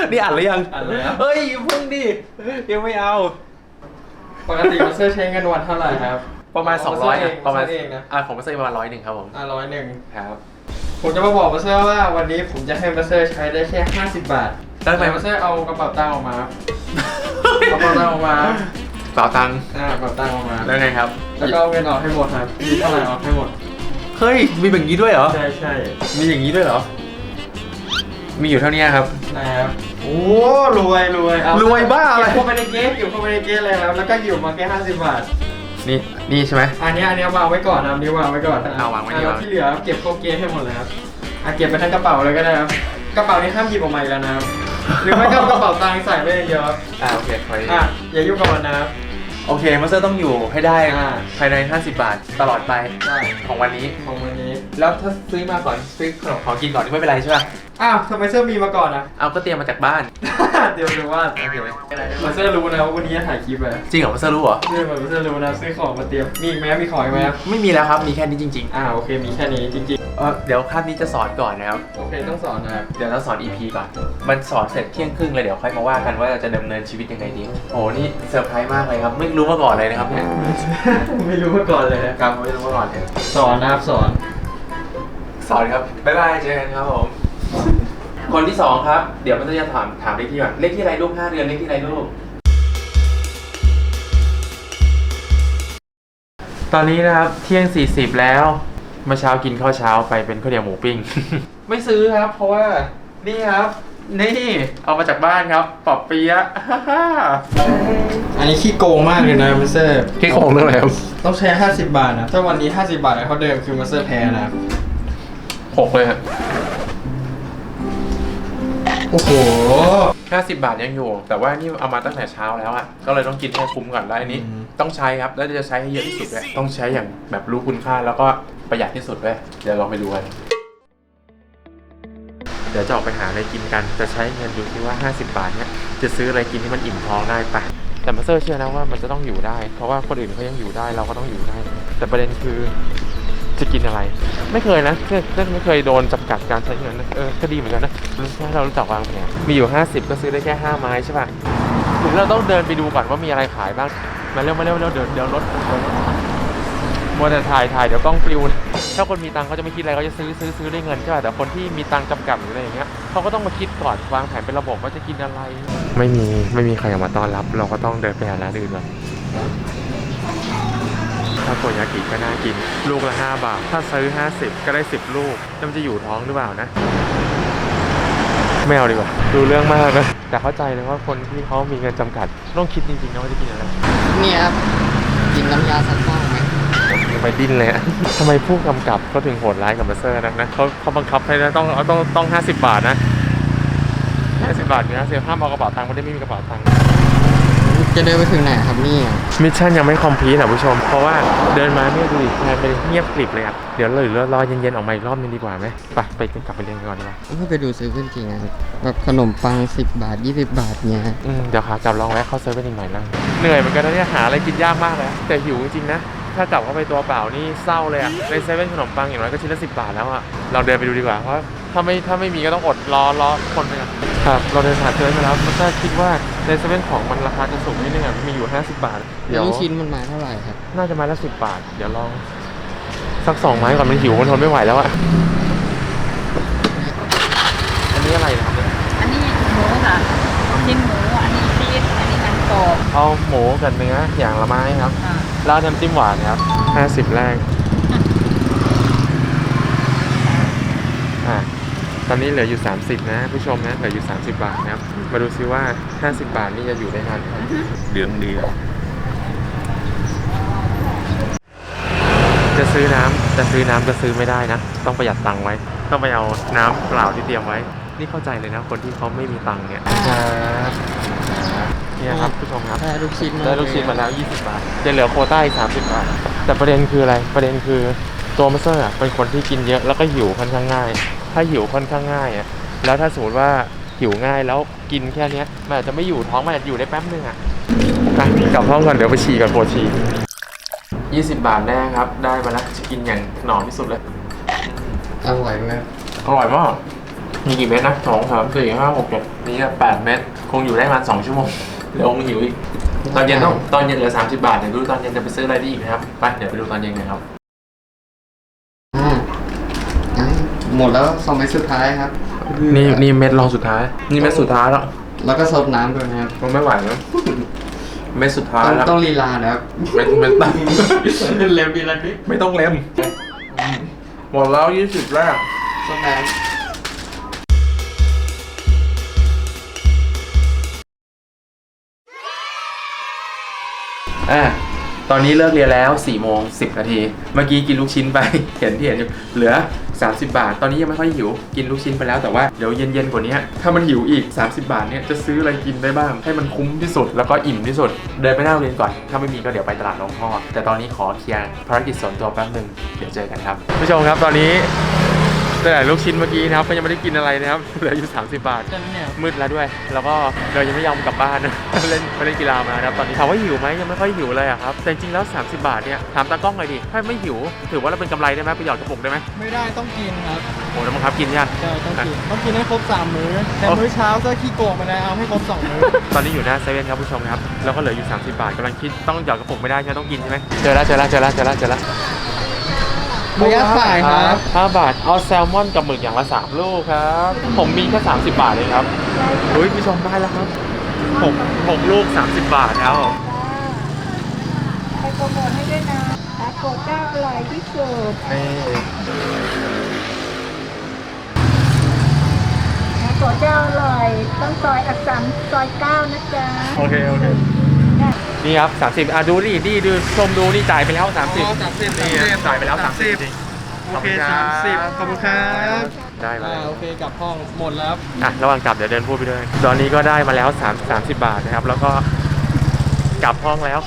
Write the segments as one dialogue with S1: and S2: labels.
S1: นี่อ่านหรือยัง
S2: อ่านแล้ว
S1: เฮ้ยพึ่งดิยังไม่เอา
S2: ปกติมาสเตอร์ใช้เงินวันเท่าไหร่ครับ
S1: ประมาณ200ประมาณ
S2: เองนะ
S1: ของมาสเตอร์ประมาณ100ครับผม
S2: 100
S1: ครับ
S2: ผมจะมาบอกมาสเตอร์ว่าวันนี้ผมจะให้มาสเตอร์ใช้ได้แค่50 บาท
S1: ได้ไหม
S2: มาสเตอร์เอากระเป๋าตังค์ออกมาเอากระเป๋าตังค์ออกมา
S1: เป๋าตังค์
S2: กระเป๋าตังค์ออกมา
S1: แล้วไงครับ
S2: แล้วก็เอาเงินออกให้หมดครับมีเท่าไหร่ออกให้หมด
S1: เฮ้ยมีแบบนี้ด้วยเหรอ
S2: ใช่
S1: มีอย่างนี้ด้วยเหรอมีอยู่เท่านี้ครับ
S2: นะครับโอ้รวย
S1: รวยบ้าอะไร
S2: เข้าไปในเกสอยู่เข้าไปในเกสเลยครับแล้วก็อยู่มาแค่50 บาท
S1: นี่ใช่ไหม
S2: อันนี้วางไว้ก่อนนะนี่วางไว้ก่อน
S1: วางไว้ดี
S2: ที่เหลือเก็บเข้าเกสให้หมดเลยครับเก็บไปทั้งกระเป๋าเลยก็ได้ครับกระเป๋านี้ห้ามหยิบออกมาอีกแล้วนะครับหรือไม่ก็กระเป๋าตังค์ใส่ไว้เยอะ
S1: โอเค
S2: อย่ายุ่งกับมันนะครับ
S1: โอเคมาสเตอร์ต้องอยู่ให้ได้ภายใน50 บาทตลอดไปของวันนี้แล้วถ้าซื้อมาก่อนซื้อของกินก่อนไม่เป็นไรใช่ป่ะ
S2: ทำไมเสื้อมีมาก่อนนะ
S1: เอาก็เตรียมมาจากบ้าน
S2: เตรียมดูว่ามาเสื้อรู้นะว่าวันนี้จะถ่ายคลิปเลย
S1: จริงเหรอมาเสื้อรู้เหรอ
S2: มาเสื้อรู้นะซื้อของมาเตรียมมีอีกไหมมีของอีกไหม
S1: ไม่มีแล้วครับมีแค่นี้จริง
S2: ๆโอเคมีแค่นี้จริง
S1: ๆเดี๋ยวคาบนี้จะสอนก่อนนะครับ
S2: โอเคต้องสอนนะครับ
S1: เดี๋ยวเราสอน EP ก่อนมันสอนเสร็จเที่ยงครึ่งเลยเดี๋ยวค่อยมาว่ากันว่าจะดำเนินชีวิตยังไงดีโอ้นี่เซอร์ไพรส์มากเลยครับไม่รู้มาก่อนเลยนะครับเนี่ย
S2: ไม่รู้มาก่อนเลย
S1: ครับไม่รู้มาก่อนเลย
S2: สอนนะครับสอน
S1: ครับบ๊ายบายเจอกันครับผมคนที่2ครับเดี๋ยวมันจะถามเลขที่ก่อนเลขที่ไรลูก5 เดือนเลขที่ไรลูกตอนนี้นะครับเที่ยง40แล้วเมื่อเช้ากินข้าวเช้าไปเป็นข้าวเหนียวหมูปิ้ง ไม่ซื้อครับเพราะว่านี่ครับนี่เอามาจากบ้านครับปอบเปี๊ยะ
S2: อันนี้ขี้โกงมากเลยนะมาสเตอร์
S1: ขี้โกงเรื่องอะไรครับ
S2: ต้องใช้50 บาทนะถ้าวันนี้50 บาทเขาเดิมคือมาสเตอร์แพ้นะ
S1: 6เลยครับ
S2: โอ้โห
S1: 50 บาทยังอยู่แต่ว่านี่เอามาตั้งแต่เช้าแล้วอ่ะก็เลยต้องกินให้คุ้มก่อนแล้วอันนี้ต้องใช้ครับแล้วจะใช้ให้เยอะที่สุดด้วยต้องใช้อย่างแบบรู้คุณค่าแล้วก็ประหยัดที่สุดด้วยเดี๋ยวลองไปดูกันเดี๋ยวจะออกไปหาอะไรกินกันจะใช้เงินดูที่ว่า50 บาทเนี่ยจะซื้ออะไรกินที่มันอิ่มท้องได้ปะแต่มาสเตอร์เชื่อนะว่ามันจะต้องอยู่ได้เพราะว่าคนอื่นเขายังอยู่ได้เราก็ต้องอยู่ได้แต่ประเด็นคือจะกินอะไรไม่เคยนะไม่เคยโดนจำกัดการใช้เงินนะก็ดีเหมือนกันนะถ้าเรารู้จักวางแผนมีอยู่50ก็ซื้อได้แค่5 ไม้ใช่ป่ะถึงเราต้องเดินไปดูก่อนว่ามีอะไรขายบ้างมาเร็วเดี๋ยวรถมัวแต่ถ่ายเดี๋ยวกล้องปลิวถ้าคนมีตังเขาจะไม่คิดอะไรเขาจะซื้อได้เงินใช่ป่ะแต่คนที่มีตังจำกัดหรืออะไรอย่างเงี้ยเขาก็ต้องมาคิดก่อนวางแผนเป็นระบบว่าจะกินอะไรไม่มีใครมาต้อนรับเราก็ต้องเดินไปหาร้านอื่นก่อนถ้าโกยากิก็น่ากินลูกละ5 บาทถ้าซื้อ50ก็ได้10 ลูกแล้วมันจะอยู่ท้องหรือเปล่านะไม่เอาดีกว่าดูเรื่องมากนะแต่เข้าใจเลยว่าคนที่เขามีเงินจำกัดต้องคิดจริงๆนะว่าจะกินอะไร
S2: เนี่ยครับกินน้ำยาซักฟอกไหม
S1: ไปดิ้นเลยอะทำไมผู้กำกับเขาถึงโหดร้ายกับมาสเตอร์นะเขาบังคับให้ต้อง50 บาทนะ50 บาทเนี่ยเสียห้ามเอากระเป๋าตังค์ไม่มีกระเป๋าตังค์
S2: จะเดินไปถึงไหนครับนี่
S1: มิชชั่นยังไม่คอมพลีทนะผู้ชมเพราะว่าเดินมาไม่ดูดิแทนไปเงียบกริบเลยครับเดี๋ยวรอเย็นๆออกมาอีกรอบนึงดีกว่าไหมไปกลับไปเรียนก่อนดีกว่า
S2: ไปดูซื้อขึ้นจริงนะแบบขนมปัง10 บาท20 บาทเนี่ย
S1: เดี๋ยวขากลับลองแวะเข้าเซเว่นอีกหน่อยนะเหนื่อยเหมือนกันนะเนี่ยหาอะไรกินยากมากเลยแต่หิวจริงๆนะถ้ากลับเข้าไปตัวเปล่านี่เศร้าเลยอะในเซเว่นขนมปังอย่างน้อยก็ชิ้นละ10 บาทแล้วอะเราเดินไปดูดีกว่าเพราะถ้าไม่มีก็ต้องอดรอคนนึงครับเราเดินผ่านเซเว่นมาแล้วมันก็คิดว่าในเซเว่นของมันราคาจะสูงนิดนึงอะมีอยู่50 บาท
S2: เดี๋ยวชิ้นมันมาเท่าไหร่ครับ
S1: น่าจะมาละ10 บาทเดี๋ยวลองสัก2 ไม้ก่อนมันหิวมันทนไม่ไหวแล้วอะอันนี้อะไรนะครับเนี่ย
S3: อันนี้หมูค่ะชิ้นหมูอันนี้ชีสอันนี้มันกรอบ
S1: เอาหมูกับเนื้ออย่างละไม้ครับแล้วน้ำจิ้มหวานครับ50 แรกตอนนี้เหลืออยู่30นะผู้ชมนะเหลืออยู่30 บาทนะครับมาดูซิว่า50 บาทนี่จะอยู่ได้นานไหมเดือนเดียวจะซื้อน้ำจะซื้อไม่ได้นะต้องประหยัดตังค์ไว้ต้องไปเอาน้ำเปล่าที่เตรียมไว้นี่เข้าใจเลยนะคนที่เขาไม่มีตังค์เนี่ยนี่ครับผู้ชมครับ
S2: ได้ลูกชิ้น
S1: มาแล้ว20 บาทจะเหลือโควต้าอีก30 บาทแต่ประเด็นคืออะไรประเด็นคือตัวมาสเตอร์เป็นคนที่กินเยอะแล้วก็หิวค่อนข้างง่ายถ้าหิวค่อนข้างง่ายอ่ะแล้วถ้าสมมติว่าหิวง่ายแล้วกินแค่นี้มันอาจจะไม่อยู่ท้องมันอาจจะอยู่ได้แป๊บนึงอ่ะกลับห้องก่อนเดี๋ยวไปฉี่ก่อนปวดฉี่20 บาทแน่ครับได้มาแล้วจะกินอย่างหนอมที่สุดเลย
S2: อร่อยไหม
S1: อร่อยมากมีกี่เม็ดนะ2 3 4 5 6 7นี่8 เม็ดคงอยู่ได้ประมาณ2 ชั่วโมงเดี๋ยวคงหิวอีกตอนเย็นเหลือ30 บาทเดี๋ยวดูตอนเย็นจะไปซื้ออะไรได้อีกนะครับไปเดี๋ยวไปดูตอนเย็นกันครับ
S2: หมดแล้ว2 เม็ดสุดท้ายครับ
S1: นี่เม็ดรองสุดท้ายนี่เม็ดสุดท้ายแล้ว
S2: แล้วก็ซดน้ำด้วยนะครับ
S1: มันไม่ไหวแล้วเม็ดสุดท้ายแล้ว
S2: ต้องลีลานะครับ
S1: เม็ดตั้ง
S2: เล็มบีละนิด
S1: ไม่ต้องเล็มหมดแล้ว20 แรก
S2: ซดน้ำ
S1: ตอนนี้เลิกเรียนแล้ว4 โมง 10 นาทีเมื่อกี้กินลูกชิ้นไป เห็นอยู่เหลือ30 บาทตอนนี้ยังไม่ค่อยหิวกินลูกชิ้นไปแล้วแต่ว่าเดี๋ยวเย็นๆกว่านี้ถ้ามันหิวอีก30 บาทเนี่ยจะซื้ออะไรกินได้บ้างให้มันคุ้มที่สุดแล้วก็อิ่มที่สุดเดินไปหน้าโรงเรียนก่อนถ้าไม่มีก็เดี๋ยวไปตลาดหลวงพ่อแต่ตอนนี้ขอเคลียร์ภารกิจส่วนตัวแป๊บนึงเดี๋ยวเจอกันครับผู้ชมครับตอนนี้แต่ลูกชิ้นเมื่อกี้นะครับก็ยังไม่ได้กินอะไรนะครับเหลืออยู่30 บาทมืดแล้วด้วยแล้วก็เรายังไม่ยอมกลับบ้านนะ เล่นกีฬามานะครับตอนนี้ถามว่าหิวไหมยังไม่ค่อยหิวเลยอะครับแต่จริงๆแล้ว30 บาทเนี่ยถามตากล้องเลยดิถ้าไม่หิวถือว่าเราเป็นกำไรได้ไหมไปหยอดกระปุกได้ไหม
S2: ไม่ได้ต้องกินครับ
S1: โอ้แล้วบังคับกินยัง
S2: ใช่ต้องกินให้ครบ3 มื้อแต่มื้อเช้าก็ขี้โกงไปแล้วเอาให้ครบ2 มื้อ
S1: ตอนนี้อยู่หน้าเซเว่นครับผู้ชมครับแล้วก็เหลืออยู่30 บาทกำลังคิดต้องหยอดกระปุกไม่ได้ใช่ไหมต้องกินใช่ไหมเจอแล้ว
S2: ระยะสายครับ
S1: 5 บาทเอาแซลมอนกับหมึกอย่างละ3 ลูกครับผมมีแค่30 บาทเลยครับอุ้ยผู้ชมได้แล้วครับ6 ลูก30 บาทแล้ว
S3: ไปโปรโมทให้ด้วยนะทาโกะเจ้าอร่อยที่สุด
S1: นี่
S3: ทาโกะเจ้าอร่อยต้องซอยอักษรซอย9นะจ๊ะ
S1: โอเคนี่ครับ30ดูนี่ดูชมดูนี่จ่ายไปแล้ว30นี่จ่ายไปแล้ว30จริง
S2: โอเค30ขอบคุณครับ
S1: ได้มาแล้ว
S2: โอเคกลับห้องหมดแล้ว
S1: ระหว่างกลับเดี๋ยวเดินพูดไปด้วยตอนนี้ก็ได้มาแล้ว30 บาทนะครับแล้วก็กลับห้องแล้ว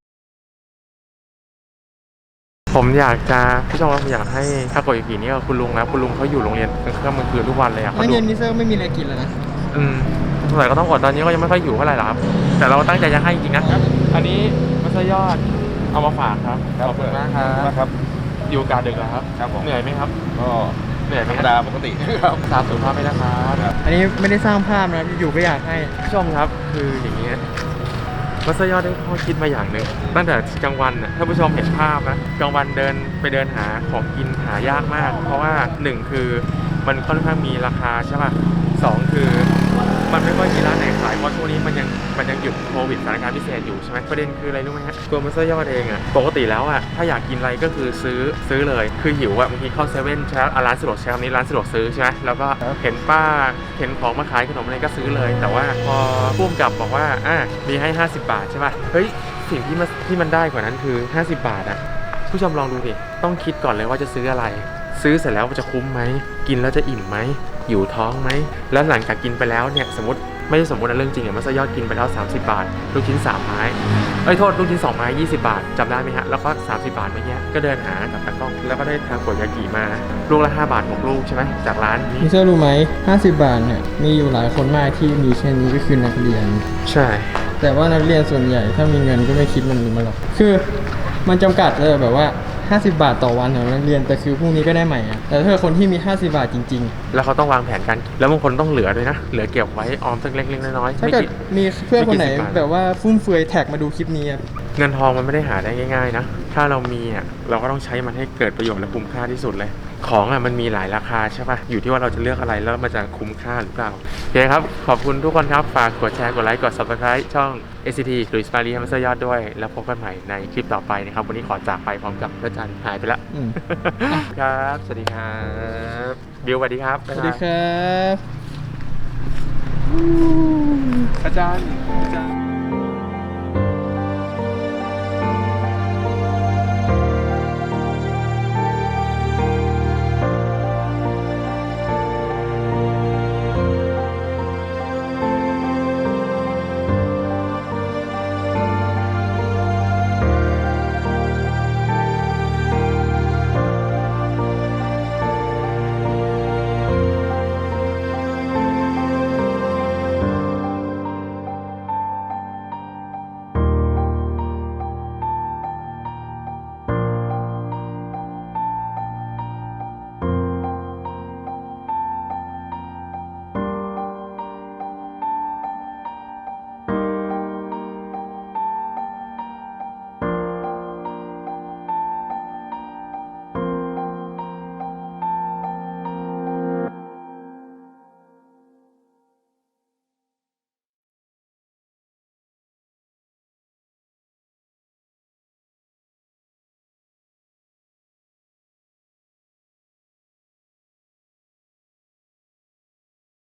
S1: ผมอยากจะพี่ชมผมอยากให้ทาโกยากินี่กับคุณลุงนะคุณลุงเขาอยู่โรงเรียนกลางค่ำกลางคืนทุกวันเลยอะ
S2: แล้วเย็นนี้เซอร์ไม่มีอะไรกินแล้วนะ
S1: สงสัยก็ต้องอดตอนนี้ก็ยังไม่ค่อยหิวเท่าไหร่หรอกครับแต่เราตั้งใจจะให้จริงๆนะอันนี้มัสยอดเอามาฝากครับขอบคุณมากครับอยู่กาดึกแล้วครับเหนื่อยไหมครับก็เหนื่อยไหมธรรมดาปกติครับตามสุขภาพไม่นะครับ
S2: อันนี้ไม่ได้สร้างภาพนะอยู่ก็อยากให้
S1: ผู้ชมครับคืออย่างนี้มัสยอดได้ข้อคิดมาอย่างหนึ่งตั้งแต่กลางวันน่ะถ้าผู้ชมเห็นภาพนะกลางวันเดินหาของกินหายากมากเพราะว่า1คือมันค่อนข้างมีราคาใช่ป่ะ2คือมันไม่ค่อยมีร้านไหนขายเพราะช่วงนี้มันยังหยุดโควิดสถานการณ์พิเศษอยู่ใช่ไหมประเด็นคืออะไรรู้ไหมฮะตัวมัสยอดเองอ่ะปกติแล้วอ่ะถ้าอยากกินอะไรก็คือซื้อเลยคือหิวอ่ะบางทีเข้าเซเว่นใช่ร้านสะดวกใช้คำนี้ร้านสะดวกซื้อใช่ไหมแล้วก็เห็นป้าเห็นของมาขายขนมอะไรก็ซื้อเลยแต่ว่าพอพุ่มกับบอกว่ามีให้50 บาทใช่ป่ะเฮ้ยสิ่งที่มันได้กว่านั้นคือ50 บาทอ่ะผู้ชมลองดูดิต้องคิดก่อนเลยว่าจะซื้ออะไรซื้อเสร็จแล้วจะคุ้มไหมกินแล้วจะอิ่มไหมอยู่ท้องไหมแล้วหลังจากกินไปแล้วเนี่ยสมมติไม่ใช่สมมตินะเรื่องจริงมัสยอดกินไปแล้ว30 บาทลูกชิ้น3 ไม้ลูกชิ้น2 ไม้20 บาทจำได้ไหมฮะแล้วก็30 บาทเมื่อกี้ก็เดินหากับตากล้องแล้วก็ได้ทาโกยากิมาลูกละ5 บาท6 ลูกใช่ไหมจากร้านนี้
S2: พี่เชื่อรู้ไหม50 บาทเนี่ยมีอยู่หลายคนมากที่มีแค่นี้ก็คือนักเรียน
S1: ใช่
S2: แต่ว่านักเรียนส่วนใหญ่ถ้ามีเงินก็ไม่คิดมันหรอกคือมันจำกัดเลยแบบว่า50 บาทต่อวันของนักเรียนแต่คือพรุ่งนี้ก็ได้ใหม่อะแต่ถ้าคนที่มี50 บาทจริงๆ
S1: แล้วเขาต้องวางแผนกันแล้วบางคนต้องเหลือด้วยนะเหลือเก็บไว้ออมสักเล็กๆน้อยๆ
S2: ถ้าเกิดมีเพื่อนคนไหนแบบว่าฟุ่มเฟือยแท็กมาดูคลิปนี้
S1: เงินทองมันไม่ได้หาได้ง่ายๆนะถ้าเรามีเราก็ต้องใช้มันให้เกิดประโยชน์และคุ้มค่าที่สุดเลยของมันมีหลายราคาใช่ป่ะอยู่ที่ว่าเราจะเลือกอะไรแล้วมันจะคุ้มค่าหรือเปล่าโอเคครับขอบคุณทุกคนครับฝากกดแชร์กดไลค์กด Subscribe ช่อง SCT หรือ Smiley มัสยอดด้วยแล้วพบกันใหม่ในคลิปต่อไปนะครับวันนี้ขอจากไปพร้อมกับพระจันทร์หายไปแล้วครับสวัสดีครับบิวสวัสดีครับ
S2: สวัสดีครับ
S1: อาจารย์